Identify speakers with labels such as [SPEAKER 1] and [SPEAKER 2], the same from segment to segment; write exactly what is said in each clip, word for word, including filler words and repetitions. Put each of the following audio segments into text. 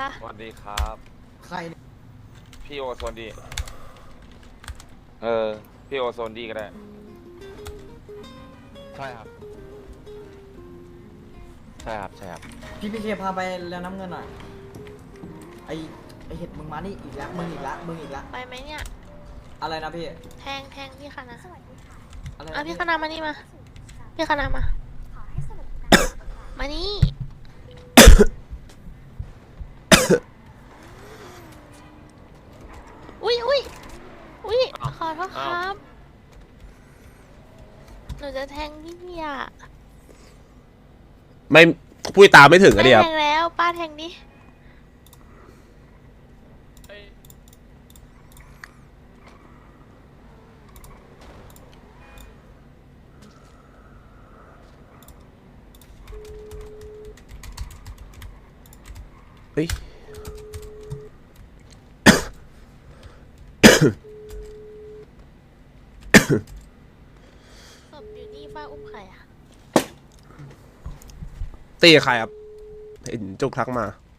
[SPEAKER 1] คะ
[SPEAKER 2] สวัสดีครับ
[SPEAKER 3] ใครเนี่ย
[SPEAKER 2] พี่โอโซนดีเออพี่โอโซนดีก็ได้ใช่ครับใช่ครับใช่ครับ
[SPEAKER 3] พี่พี่เคพาไปแล้วน้ำเงินหน่อยไอไอเห็ดมึงมานี่อีกแล้วมึงอีกแล้วมึงอีกแล้ว
[SPEAKER 1] ไปไหมเนี่ย
[SPEAKER 3] อะไรนะพี่
[SPEAKER 1] แทงแทงพี่คณะ
[SPEAKER 3] อะไร
[SPEAKER 1] อ่ะ
[SPEAKER 3] นะ
[SPEAKER 1] พี่คณะมานี่มา พี่คณะมา มานี่ อุ้ยอุ้ยอุ้ยขอโทษครับ หนูจะแทงพี่อ่ะ
[SPEAKER 4] ไม่พูดตามไม่ถึงอะเดีย
[SPEAKER 1] แทงแล้วป้าแทงดิ
[SPEAKER 4] เฮ้ย
[SPEAKER 1] ศพอยู่นี่ป้าอุ้มใครอ่ะ
[SPEAKER 4] ตีกับใครครับเห็นจุกทักมา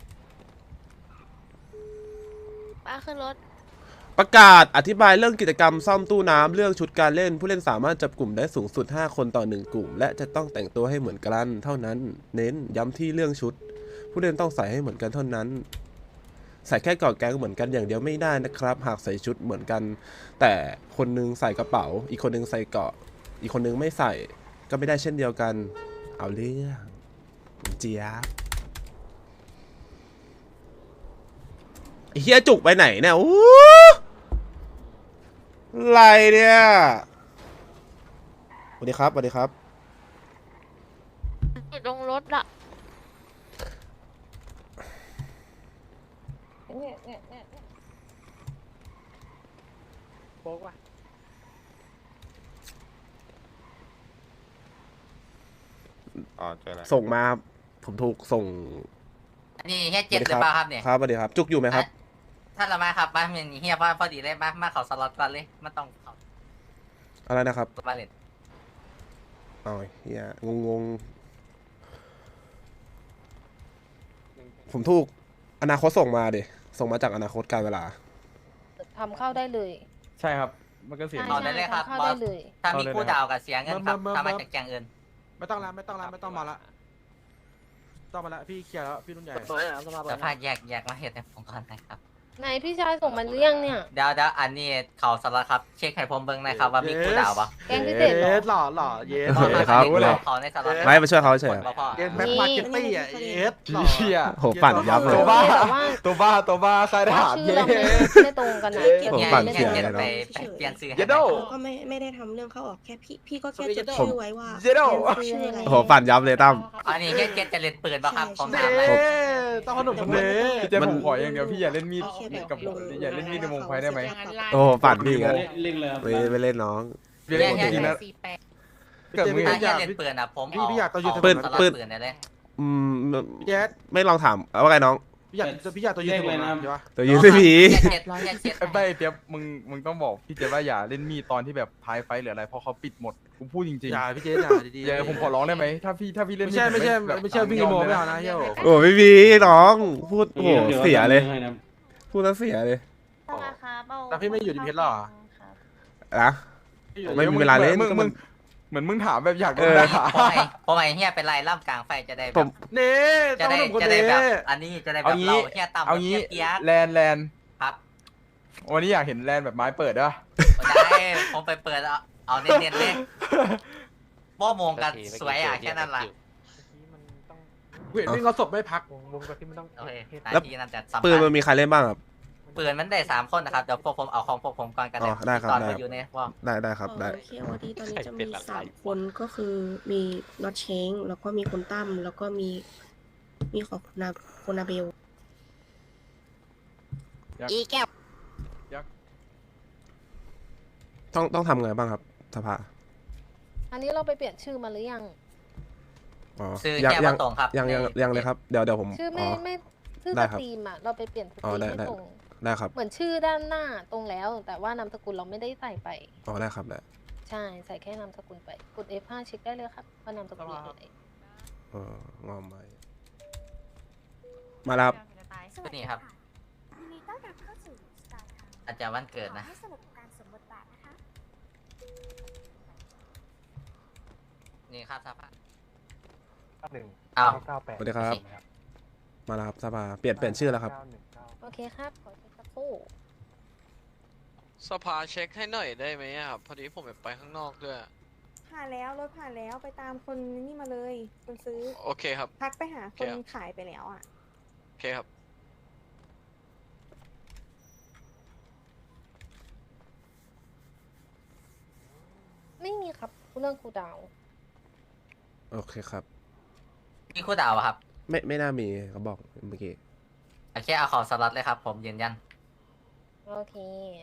[SPEAKER 1] ป้าขึ้นรถ
[SPEAKER 4] ประกาศอธิบายเรื่องกิจกรรมซ่อมตู้น้ำเรื่องชุดการเล่น ผู้เล่นสามารถจับกลุ่มได้สูงสุดห้าคนต่อหนึ่งกลุ่มและจะต้องแต่งตัวให้เหมือนกันเท่านั้นเน้นย้ำที่เรื่องชุด ผู้เล่นต้องใส่ให้เหมือนกันเท่านั้น ใส่แค่กอดแก๊งเหมือนกันอย่างเดียวไม่ได้นะครับหากใส่ชุดเหมือนกัน แต่คนนึงใส่กระเป๋า อีกคนนึงใส่เกาะอีกคนนึงไม่ใส่ก็ไม่ได้เช่นเดียวกันเอาเรื่องเจี๊ยบไอ้เฮียจุกไปไหนเนี่ยอู้อะไรเนี่ยสวัสดีครับสวัสดีครับ
[SPEAKER 1] อยู่ตรงรถอะ
[SPEAKER 2] โป๊กว่ะอ๋อเจอแล้ว
[SPEAKER 4] ส่งมาผมถูกส่ง
[SPEAKER 5] อันนี้เฮียเจ็ดหรือเปล่าครับเนี่ย
[SPEAKER 4] ครับสวัสดีครับ จุกอยู่ไหมครับ
[SPEAKER 5] ถ้าเรามาครับมาเป็นเฮียพอพอดีเลยมามาเขาสล็อตก่อนเลยมันต้องเขา
[SPEAKER 4] อะไรนะครับ
[SPEAKER 5] ตัวมาเล่น
[SPEAKER 4] อ๋อเฮียงงงๆผมถูกอนาคตส่งมาดิส่งมาจากอนาคตการเวลา
[SPEAKER 6] ทำเข้าได้เลย
[SPEAKER 7] ใช่ครับ มันก็เสีย
[SPEAKER 6] ใช่
[SPEAKER 7] ง
[SPEAKER 5] เอาได้เลยครับ
[SPEAKER 6] ทำเข้า
[SPEAKER 5] บอ
[SPEAKER 6] ได้
[SPEAKER 5] ส
[SPEAKER 6] เลย
[SPEAKER 5] ถ้ามีคู่ดาวกับเสียเงินครับ
[SPEAKER 7] เมื่อเมื่อ
[SPEAKER 5] ถ้ามาจากแจงเงิน
[SPEAKER 7] ไม่ต้องแล้วไม่ต้องแล้วไม่ต้องมาละต้องมาละพี่เคลียร์แล้วพี่รุ่นใหญ่
[SPEAKER 5] แต่ภาคแยกแยกมาเหตุในผมก่อนนะครับ
[SPEAKER 6] ไหนพี่ชายส่งมาหรือยังเนี่ย
[SPEAKER 5] เดี๋ยวเดี๋ยวอันนี้เขาสล็อตครับเช็คให้ผมเบิ้งหนะครับว่ามีคู่ดาวปะ
[SPEAKER 6] แกงพิเศษเหรอ
[SPEAKER 7] สหล่อหล่อเยส
[SPEAKER 4] เออครับ
[SPEAKER 5] รู้เลยเขาในสล็อต
[SPEAKER 4] ไม่มาช่วยเขาเฉย
[SPEAKER 5] บ่พอ
[SPEAKER 7] เกมแม็กมาร์เก็ตตี้อ่ะเยสหล่อ
[SPEAKER 4] เหี้ยโหปั่นยับเลย
[SPEAKER 7] ตัวบ้า
[SPEAKER 6] แต่ว่า
[SPEAKER 7] ตัวบ้าตัวบ้าใครท
[SPEAKER 6] ว่า
[SPEAKER 7] หาร
[SPEAKER 6] ชื่อ
[SPEAKER 7] เย
[SPEAKER 6] เราไม่
[SPEAKER 7] ส
[SPEAKER 6] ไม่ตรงกันนะ
[SPEAKER 4] ผม
[SPEAKER 5] เฮีย
[SPEAKER 4] ปั่น
[SPEAKER 5] เฮีย
[SPEAKER 4] เสีย
[SPEAKER 5] เจ็ด
[SPEAKER 4] เลยเนอะ
[SPEAKER 5] ไปไปเปลี่ยนชื่อให้
[SPEAKER 7] เยโด
[SPEAKER 8] เราก็ไม่ไม่ได้ทำเรื่องเข้าออกแค่พี่พี่ก็แค่จดชื่อไว้ว่า
[SPEAKER 7] เยโด
[SPEAKER 8] ชื่ออะไร
[SPEAKER 4] โอ้โหปั่นยับเลยตั้ม
[SPEAKER 5] อันนี้เฮียเจ็ดจะเล่นปืนปะครับผม
[SPEAKER 7] เน่
[SPEAKER 5] ถามเลย
[SPEAKER 7] ต้องขนมคนเน่พี่เจ
[SPEAKER 4] มั
[SPEAKER 7] ผ
[SPEAKER 4] น
[SPEAKER 7] มขออย่างเดียวพี่อย่าเล่นมีด
[SPEAKER 8] แค่แบบ
[SPEAKER 7] กับ
[SPEAKER 8] ลง
[SPEAKER 7] อย่าเล่นมีดในวงไฟได้ไหม
[SPEAKER 4] โอ้โหปั่นพี่กัน
[SPEAKER 9] เล่นเลยครับ
[SPEAKER 4] ไม่ไม่เล่นน้อง
[SPEAKER 7] เรียน
[SPEAKER 5] เฮีย
[SPEAKER 7] จริง
[SPEAKER 5] เฮีย
[SPEAKER 7] นะเกิดมึง
[SPEAKER 5] ถ้า
[SPEAKER 7] อ
[SPEAKER 5] เฮีย
[SPEAKER 7] ยาก
[SPEAKER 5] เล่นปืนอ่ะผม
[SPEAKER 7] พี่
[SPEAKER 5] เอา
[SPEAKER 7] พี่อยากต่อยืน
[SPEAKER 5] เอา
[SPEAKER 4] ปืน
[SPEAKER 5] สล็อต
[SPEAKER 4] ปืน
[SPEAKER 5] ปืนได้เลย
[SPEAKER 4] อืม
[SPEAKER 7] พี่เจส
[SPEAKER 4] ไม่ลองถามว่าไงน้อง
[SPEAKER 7] พี่อยากพี่อยากต่อยืนถนนนะใช่ปะ
[SPEAKER 4] ตัวยืนไม่ผี
[SPEAKER 5] เฮียเจ็ดเฮียเจ็ด
[SPEAKER 7] ไอ้ใบเปียบมึงมึงต้องบอกพี่เจว่าอย่าเล่นมีดตอนที่แบบท้ายไฟหรืออะไรเพราะเขาปิดหมดกูพูดจริงๆอย่าพี่เจอย่าดีๆอย่าผมขอร้องได้ไหมถ้าพี่ถ้าพี่เล่นไม่ใช่ไม่ใช่ไม่ใช่วิ่งโมไม่เอานะเฮีย
[SPEAKER 4] โอ้ไม่มีน้องพูดโอ้โหเสียเลย
[SPEAKER 9] ให้นะ
[SPEAKER 4] พูดแล้วเสียเลย
[SPEAKER 7] แต่พี่ไม่อยู่ดีเพชรหรอ
[SPEAKER 4] นะ ไม่มีเวลาเล่น
[SPEAKER 7] มึงมึงเหมือนมึงถามแบบอยากโดน
[SPEAKER 4] เออ
[SPEAKER 7] ด่า
[SPEAKER 5] ผมไอ้ผมไอ้เฮียเป็นไรล่ำกลางไฟจะได้แบ
[SPEAKER 4] ผ
[SPEAKER 5] บ
[SPEAKER 4] ม
[SPEAKER 7] เน่
[SPEAKER 5] จะ
[SPEAKER 7] ต้อง
[SPEAKER 5] ได้
[SPEAKER 7] หนุ่มคน
[SPEAKER 5] จะได้
[SPEAKER 7] เน่
[SPEAKER 5] แบบอันนี้จะได้แบ
[SPEAKER 7] เอา
[SPEAKER 5] บ
[SPEAKER 7] งี้
[SPEAKER 5] เราเฮียต่ำ
[SPEAKER 7] เอางี้
[SPEAKER 5] เฮียเกียร์
[SPEAKER 7] แลนแลน
[SPEAKER 5] ครับ
[SPEAKER 7] วันนี้อยากเห็นแลนแบบไม้เปิดด้วย
[SPEAKER 5] ได้ผมไปเปิดเอาเอาเน้นๆเลยโป้โมงกันสวยอ่ะแค่นั้นแหละ
[SPEAKER 7] เห็นวิ่งเอาศพไม่พักวงกับที่มันต้อง
[SPEAKER 5] โอเคนาทีนั้นจะสำ
[SPEAKER 4] ปืน
[SPEAKER 5] คั
[SPEAKER 4] มั
[SPEAKER 5] ญ
[SPEAKER 4] นมีใครเล่นบ้างครับ
[SPEAKER 5] ปืนมันได้สามคนนะครับเดี๋ยวพวกผมเอาของพวกผมก่อนกัน
[SPEAKER 4] อ๋อได้ครับ
[SPEAKER 5] ตอน
[SPEAKER 4] ได้
[SPEAKER 5] มาอยู่ในว่า
[SPEAKER 4] ได้ได้ครับได้
[SPEAKER 8] เคโอดีตอนนี้จะมีสามคนก็คือมีน็อตเชงแล้วก็มีคุณตั้มแล้วก็มีมีของคุณนาคุณนาเบล
[SPEAKER 6] อีแก้ว
[SPEAKER 4] ต้องต้องทำไงบ้างครับสภา
[SPEAKER 6] อันนี้เราไปเปลี่ยนชื่อมาหรือยัง
[SPEAKER 4] อ๋อ
[SPEAKER 5] ซื้อ
[SPEAKER 4] ยัง
[SPEAKER 5] แค่
[SPEAKER 4] ยั
[SPEAKER 5] มาง ตรงครับ
[SPEAKER 4] ยังยังยังเลยครับเดี๋ยวเดี๋ยวผม
[SPEAKER 6] ชื่อ
[SPEAKER 4] อ๋
[SPEAKER 6] ไม่
[SPEAKER 4] อ
[SPEAKER 6] ไม่ชื่อ
[SPEAKER 4] ได้
[SPEAKER 6] ส
[SPEAKER 4] ครับ
[SPEAKER 6] ตรีมอ่ะเราไปเปลี่ยนสต
[SPEAKER 4] อ๋อ
[SPEAKER 6] รีม
[SPEAKER 4] ได้
[SPEAKER 6] ให้
[SPEAKER 4] ได้
[SPEAKER 6] ตรง
[SPEAKER 4] ได้ครับ
[SPEAKER 6] เหมือนชื่อด้านหน้าตรงแล้ว แต่ว่านามสกุลเราไม่ได้ใส่ไป
[SPEAKER 4] อ๋อได้ครับได้
[SPEAKER 6] ใช่ใส่แค่นามสกุลไปกด เอฟ ห้า เช็คได้เลยครับว่านามสกุลอะไร
[SPEAKER 4] เอองอมไปมาแล้วครับ
[SPEAKER 5] ซื้อนี่ครับ
[SPEAKER 9] ยินดีต้อนรับเข้าสู่สตาร์ท
[SPEAKER 5] อาจจะวันเกิด
[SPEAKER 9] ขอ
[SPEAKER 5] นะ
[SPEAKER 9] ให้สนุกกับการสวมบทบาทนะคะ
[SPEAKER 5] นี่ครับสภา
[SPEAKER 10] หนึ่ง
[SPEAKER 5] อ้าว
[SPEAKER 10] เก้าแปด
[SPEAKER 4] สวัสดีครับ มาแล้วครับสภาเปลี่ยนเปลี่ยนชื่อแล้วครับ
[SPEAKER 6] โอเคครับ ขอเช็คสักครู่
[SPEAKER 11] สภาเช็คให้หน่อยได้ไหมอะครับ พอดีผมแบบไปข้างนอกด้วย
[SPEAKER 8] ผ่านแล้วรถผ่านแล้วไปตามคนนี่มาเลยคนซื้อ
[SPEAKER 11] โอเคครับ
[SPEAKER 8] ทักไปหาคน
[SPEAKER 11] ครับ
[SPEAKER 8] ขายไปแล้วอ่ะ
[SPEAKER 11] โอเคครับ
[SPEAKER 6] ไม่มีครับเรื่องครูดาว
[SPEAKER 4] โอเคครับ
[SPEAKER 5] มีคู่ดาวอะครับ
[SPEAKER 4] ไม่ไม่น่ามีเขาบอกเมื่อกี้
[SPEAKER 5] โอเคเอาของสล็อตเลยครับ ผมยืนยัน
[SPEAKER 6] โอเค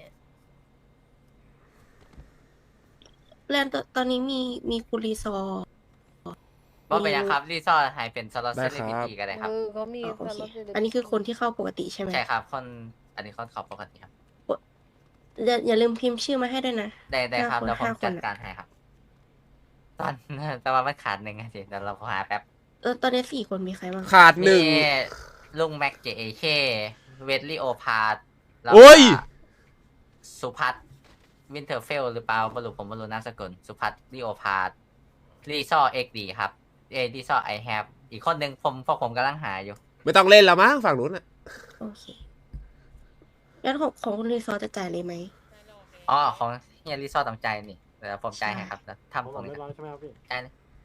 [SPEAKER 8] แลนด์ตตอนนี้มีมีคุรีซอร์
[SPEAKER 5] ว่าเป็นยังครับรีซอร์หายเป็นสล็อต
[SPEAKER 4] ได้
[SPEAKER 5] เซ
[SPEAKER 4] ค
[SPEAKER 5] เล
[SPEAKER 4] รับ
[SPEAKER 5] บิตี้กันเลยครับ
[SPEAKER 6] เออเขามี
[SPEAKER 8] อ๋อโอ
[SPEAKER 6] ส
[SPEAKER 8] เค
[SPEAKER 6] ล็อตยู่ใ
[SPEAKER 8] อันนี้คือคนที่เข้าปกติใช่ไหม
[SPEAKER 5] ใช่ครับ คนอันนี้คนขอบปกติครับ
[SPEAKER 8] อย่าอย่าลืมพิมพ์ชื่อมาให้ด้วยนะ
[SPEAKER 5] ได้ได้ครับ
[SPEAKER 8] ห้าคน
[SPEAKER 5] เดี๋ยวผม
[SPEAKER 8] ห้าคน
[SPEAKER 5] จัด
[SPEAKER 8] อะ
[SPEAKER 5] การให้ครับ ตอน แต่ว่ามันขาดหนึ่งอะสิเดี๋ยวเราหาแป๊บ
[SPEAKER 8] เออตอนนี้สี่คนมีใครบ้าง
[SPEAKER 4] ขาดหนึ่ง
[SPEAKER 5] มีลุงแม็กเจเอเคเวดลี่โอพาร์แล้ว
[SPEAKER 4] โอ้ย
[SPEAKER 5] สุพัฒน์วินเทอร์เฟลหรือเปล่าบรุผมบรุนามสกุลสุพัฒน์ลีโอพาร์รีซอเอ็กดีครับเอรีซอไอแฮปอีกคนหนึ่งผมพวกผมกำลังหาอยู่
[SPEAKER 4] ไม่ต้องเล่นแล้วมั้งฝั่งนู้นอ่ะ
[SPEAKER 8] โอเคแล้วของของคุณรีซอร์จะจ่ายเลยไหม
[SPEAKER 5] อ๋อ ของเฮียรีซอตามใจนี่เดี๋ยวผมจ่ายให้ครับแล้วทำตรงนี้
[SPEAKER 10] เรียบร้อยใช่ไหมครับพี่
[SPEAKER 5] จ่ายเลย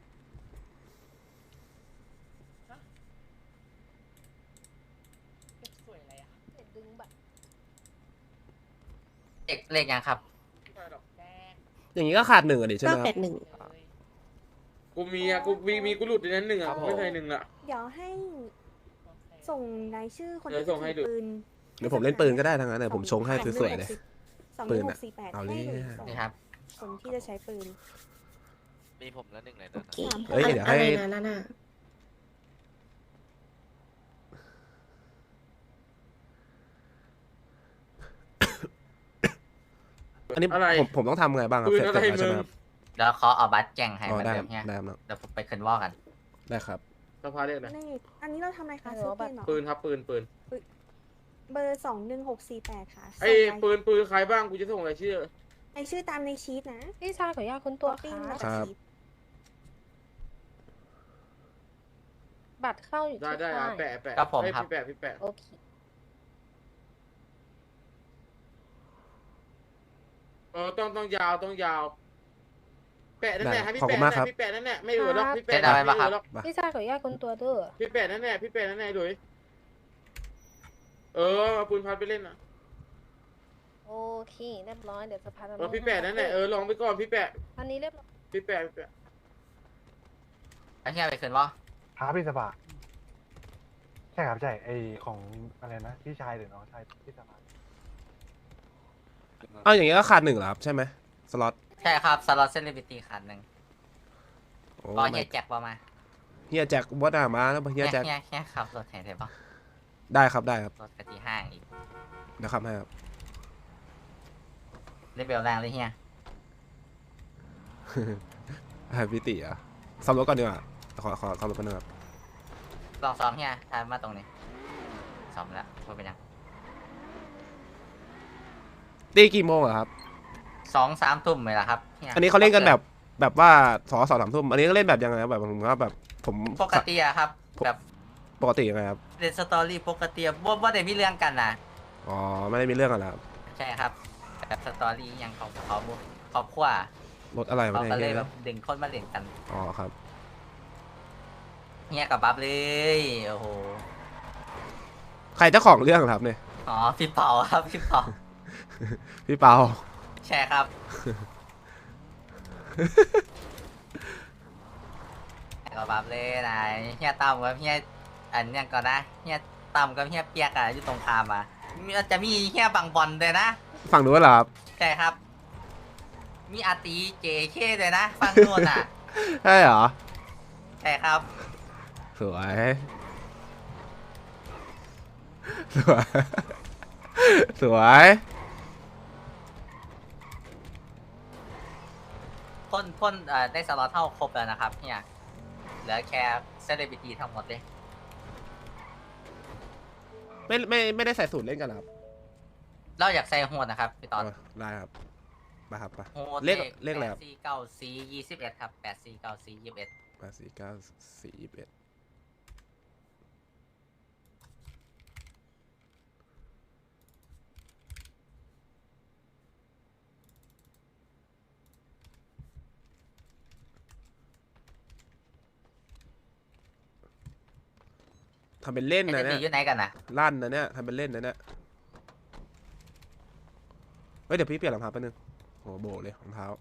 [SPEAKER 6] ดึงบัตร
[SPEAKER 5] เลขเลขยังครับ
[SPEAKER 4] อย่างนี้ก็ขาดหนึ่งอ่ะดิใช่ไห
[SPEAKER 8] เก้าม
[SPEAKER 4] ค
[SPEAKER 8] แป
[SPEAKER 4] รับ
[SPEAKER 8] ดหนึ่ง
[SPEAKER 2] กูมีอะกูมีมีกูหลุดในนั้นหนึ่งอะไม่เคยหนึ่งอะ
[SPEAKER 8] เดี๋ยวให้ส่งรายชื่อคน
[SPEAKER 2] เดี๋ยวส่งให้ดู
[SPEAKER 8] ปืน
[SPEAKER 4] เดี๋ยวผมเล่นปืนก็ได้ทั้งนั้นเลยผมชงให้สวยๆเลย
[SPEAKER 8] สองห
[SPEAKER 4] ปื
[SPEAKER 8] นึ่
[SPEAKER 4] น
[SPEAKER 8] งห
[SPEAKER 4] อะ
[SPEAKER 8] กสี่แปด
[SPEAKER 4] เอาเลย
[SPEAKER 8] ให้หรือส่ง
[SPEAKER 5] นี่ครับ
[SPEAKER 8] คนที่จะใช้ปืน
[SPEAKER 11] มีผมแล้วหนึ่งใน
[SPEAKER 8] โอ
[SPEAKER 11] นั้น
[SPEAKER 8] เค
[SPEAKER 4] เฮ้ยเดี๋ยวให้
[SPEAKER 8] อะไรนะนั่นน่ะ
[SPEAKER 4] อันนี้
[SPEAKER 2] อะไร
[SPEAKER 4] ผมผมต้องทำไงบ้างครับ
[SPEAKER 2] ปืน
[SPEAKER 4] เสร็จ
[SPEAKER 2] อะไร
[SPEAKER 4] เสร็จแล้วใช่ไหม
[SPEAKER 2] มึง
[SPEAKER 4] ครับ
[SPEAKER 5] เดี๋ยวขอเอาบัตรแจ้งให้
[SPEAKER 4] อ๋อ
[SPEAKER 5] เหมือน
[SPEAKER 4] ได้
[SPEAKER 5] เดิมเนี่ย
[SPEAKER 4] ได้ครับ
[SPEAKER 5] เดี๋ยวผมไปขึ้นวอลกัน
[SPEAKER 4] ได้ครับ
[SPEAKER 2] สภาเรียกอะไร
[SPEAKER 8] นี่อันนี้เราทำอะไรคะซื้อปืนเหรอ
[SPEAKER 2] ปืนครับปืนปืน
[SPEAKER 8] เบอร์สองหนึ่งหกสี่แปดค่ะ
[SPEAKER 2] ไอ้
[SPEAKER 8] ส่งราย
[SPEAKER 2] ปืนปืนใครบ้างกูจะส่งรายชื่อ
[SPEAKER 8] ไอชื่อตามในชีตนะ
[SPEAKER 6] พี่ชายขออนุญาตคุณตัว
[SPEAKER 8] ปิ้ง
[SPEAKER 6] ค
[SPEAKER 8] มา
[SPEAKER 6] รับ
[SPEAKER 8] จาก
[SPEAKER 4] ครับ
[SPEAKER 8] ชีต
[SPEAKER 6] บัตรเข้าอยู่
[SPEAKER 2] ได้
[SPEAKER 6] ที่
[SPEAKER 2] ได้อะ
[SPEAKER 6] ค่าย
[SPEAKER 2] แปะแปะ
[SPEAKER 5] ครับผม
[SPEAKER 2] เอ้ย
[SPEAKER 5] ครับ
[SPEAKER 2] พี่แปะพี่แปะ
[SPEAKER 6] โอเค
[SPEAKER 2] เออต้องต้องยาวต้องยาว แปะนั่นแหละให้พี่
[SPEAKER 4] ขอบคุ
[SPEAKER 2] แปะ
[SPEAKER 4] ณมากครับ
[SPEAKER 2] พี่แปะนั่นแหละไม่เหลือหรอกพี่แปะ
[SPEAKER 5] เจ๊ดาวไป
[SPEAKER 2] ไม่
[SPEAKER 5] ปะ
[SPEAKER 2] เห
[SPEAKER 5] ครั
[SPEAKER 2] ลือบ หรอก
[SPEAKER 6] พี่ชายขออนุญาตคุณตัวเด้อ
[SPEAKER 2] พี่แปะนั่นแหละพี่แปะนั่นแหละดุยเออเอาปืนพัดไปเล่นนะ
[SPEAKER 6] โอเคเรียบร้อยเดี๋ยวสภาจะ
[SPEAKER 2] เออพี่แปะนั่นแหละเออลองไปก่อนพี่แปะ
[SPEAKER 6] อันนี้เรียบร้อย
[SPEAKER 2] พี่แปะพี่แปะ
[SPEAKER 5] ไอ้เฮียไปขึ้นวอล
[SPEAKER 10] พาพี่สภาใช่ครับใช่ไอของอะไรนะพี่ชายหรือน้องชายพี่สภา
[SPEAKER 4] เอาอย่างนี้ก็ขาดหนึ่งเหรอครับใช่ไหมสล็อต
[SPEAKER 5] ใช่ครับสล็อตเซเลบริตี้คันหนึ่ง
[SPEAKER 4] โอ้
[SPEAKER 5] รอเฮียแจ็คประมา
[SPEAKER 4] เฮียแจ็ควัดหน้ามาแล้วเฮียแจ็ค
[SPEAKER 5] เฮียเฮียขับรถแห่ได้ปะ
[SPEAKER 4] ได้ครับได้ครับ
[SPEAKER 5] รถกะทิห้างอีก
[SPEAKER 4] เดี๋ยวขับให้ครับ
[SPEAKER 5] เลเวลแรงเลยเฮีย
[SPEAKER 4] ให้พี่ติอ่ะซ่อมรถก่อนดีกว่าขอขอซ่อมรถก่อนนะครับ
[SPEAKER 5] ลองซ้อมเฮียทายมาตรงนี้ซ้อมแล้วว่าเป็นยัง
[SPEAKER 4] ตีกี่โมงอะครับ
[SPEAKER 5] สองสามทุ่มเลยละครับฮีย
[SPEAKER 4] อันนี้เขาเล่นกันแบบแบบว่าสองสองสามทุ่มอันนี้ก็เล่นแบบยังไงครับแบบผมว่าแบบผม
[SPEAKER 5] ปกติอะครับ แบบ
[SPEAKER 4] ปกติยังไงครับ
[SPEAKER 5] เล่นสตอรี่ปกติว่าว่าได้มีเรื่องกันนะ
[SPEAKER 4] อ๋อไม่ได้มีเรื่องกันแล้วครับ
[SPEAKER 5] ใช่ครับแบบสตอรี่ยังของเขาครอบครัว
[SPEAKER 4] รถอะไรวะ
[SPEAKER 5] เขาก็เลย
[SPEAKER 4] เนี่ย
[SPEAKER 5] แบบดึงคนมาเล่นกัน
[SPEAKER 4] อ๋อครับ
[SPEAKER 5] เฮียกับบัฟเลยโอ้โห
[SPEAKER 4] ใครเจ้าของเรื่องครับเนี่ย
[SPEAKER 5] อ๋อพี่เปาครับพี่เปา
[SPEAKER 4] พี่เปา
[SPEAKER 5] ใช่ครับกับบัฟเลยนายเฮียตั้มกับเฮียอันยังก่อนนะเฮียตั้มกับเฮียเปียกอะอยู่ตรงข้ามอะมีจะมีเฮียบังบอลเลยนะ
[SPEAKER 4] ฝั่งนู้นเหรอครับ
[SPEAKER 5] ใช่ครับ มีอาตีเจเคเลยนะฟังโน่นอ่ะ
[SPEAKER 4] ใช่เหรอ
[SPEAKER 5] ใช่ครับ
[SPEAKER 4] สวยสวยสวย
[SPEAKER 5] พ่นพ่นเอ่อได้สล็อตเท่าครบแล้วนะครับเนี่ยเหลือแค่เซเลบริตี้ทั้งหมดเลย
[SPEAKER 4] ไม่ไม่ไม่ได้ใส่สูตรเล่นกันเหรอครับ
[SPEAKER 5] เราอยากใส่โหดนะครับพี่ตอน
[SPEAKER 4] เออได้ครับมาครับมา
[SPEAKER 5] โหด
[SPEAKER 4] เลขเลขอะไรครับ
[SPEAKER 5] แปดสี่เก้าสี่ยี่สิบเอ็ดครับแปดสี่เก้าสี่ยี่สิบเอ็ด
[SPEAKER 4] แปดสี่เก้าสี่ยี่สิบเอ็ดทำเป็นเล่น
[SPEAKER 5] เอ็
[SPEAKER 4] นะ
[SPEAKER 5] น
[SPEAKER 4] เนี่
[SPEAKER 5] ดี
[SPEAKER 4] ย
[SPEAKER 5] อยู่ไหนกันนะ
[SPEAKER 4] ลั่นนะเนี่ยทำเป็นเล่นนะเนี่ยเฮ้ยเดี๋ยวพี่เปลี่ยนรองเท้าแป๊บนึงโหโบเลยรองเท้า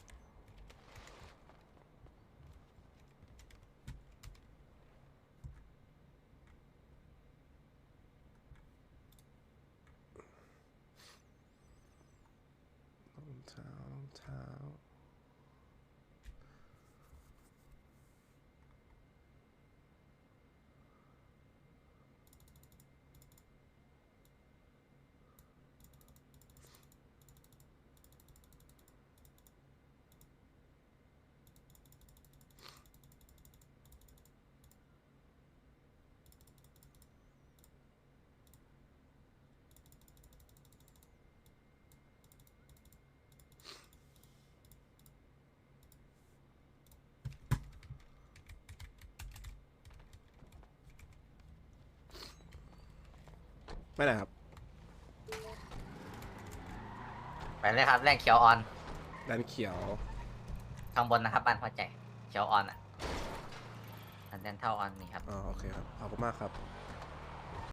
[SPEAKER 4] เท้ารองเท้าไม่ไหนครับ
[SPEAKER 5] ไปเลยครับแรงเขียวออน
[SPEAKER 4] ด้านเขียว
[SPEAKER 5] ข้างบนนะครับบ้านพอใจเขียวออนอ่ะอันเดนเท่าออนนี่ครับ
[SPEAKER 4] อ๋อโอเคครับขอบคุณมากครับ